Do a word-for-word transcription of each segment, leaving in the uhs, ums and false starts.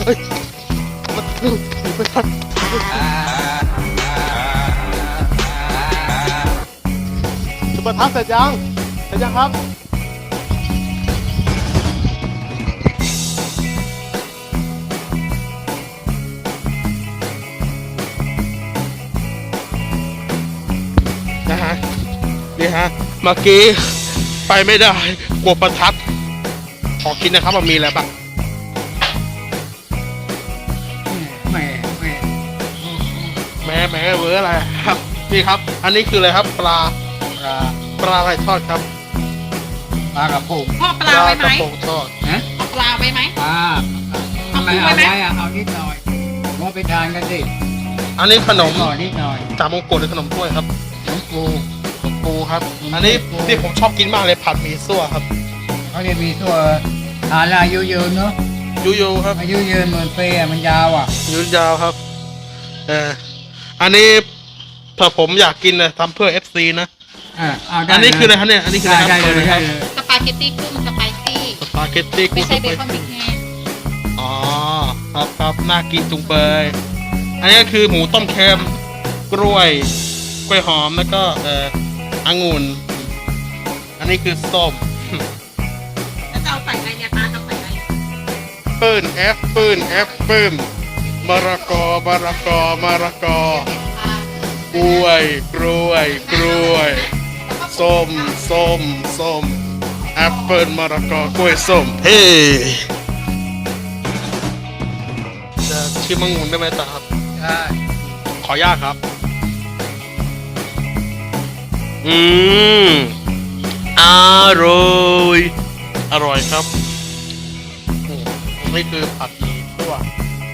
เฮ้ยมันหนีไปทันจุดประทัดเสร็จยังเสร็จยังครับนะฮะนี่ฮะเมื่อกี้ไปไม่ได้กลัวประทัดขอคิดนะครับมันมีอะไรบ้างแหมแหมแหมแหมเวอร์อะไรครับนี่ครับอันนี้คืออะไรครับปลาปลาปลาอะไรทอดครับปลากระพงพ่อปลาไว้ไหมปลากระพงทอดนะเอาปลาไว้ไหมปลาทำไมเอาไว้อะเอานิดหน่อยว่าไปทานกันสิอันนี้ขนมหน่อยนิดหน่อยจามงกุฎหรือขนมถ้วยครับขนมปูขนมปูครับอันนี้ที่ผมชอบกินมากเลยผัดหมี่ซั่วครับเขาเรียกมีตัวทานอายุยืนเนาะยูยูครับอายุยืนเหมือนเปียมันยาวอ่ะยืนยาวครับเอออันนี้ถ้าผมอยากกินนะทำเพื่อ เอฟ ซี นะอ่าอันนี้คืออะไรครับเนี่ยอันนี้คืออะไรครับได้เลยสปาเกตตี้กุ้งสไปซี่สปาเกตตี้กุ้งไม่ใช่เบคอนพริกแห้งอ๋อครับครับน่ากินจุงเบยอันนี้คือหมูต้มเค็มกล้วยกล้วยหอมแล้วก็เอ่อองุ่นอันนี้คือส้มแล้วจะเอาใส่อะไรเนี่ยตาจะใส่อะไรปื้นแอปปื้นแอปปื้นมะระกอมะระกอมะระกอกล้วยกล้วยกล้วยส้มส้มส้มแอปเปิลมะระกอกล้วยส้มเฮ้จะชิมมังงุนได้ไหมตาครับได้ขออนุญาตครับอืมอร่อยอร่อยครับนี่คือผัดหมี่ซั่ว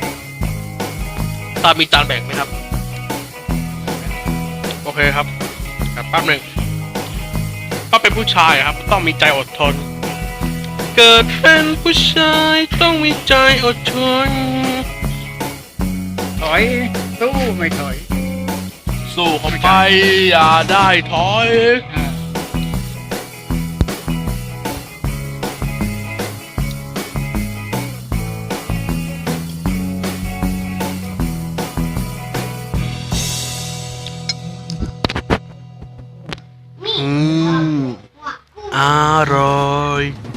ตามีจานแบ่งไหมครับโอเคครับแป๊บหนึ่งก็เป็นผู้ชายครับต้องมีใจอดทนเกิดเป็นผู้ชายต้องมีใจอดทนถอยสู้ไม่ถอยสู้เข้าไปอย่าได้ถอยอืมอร่อย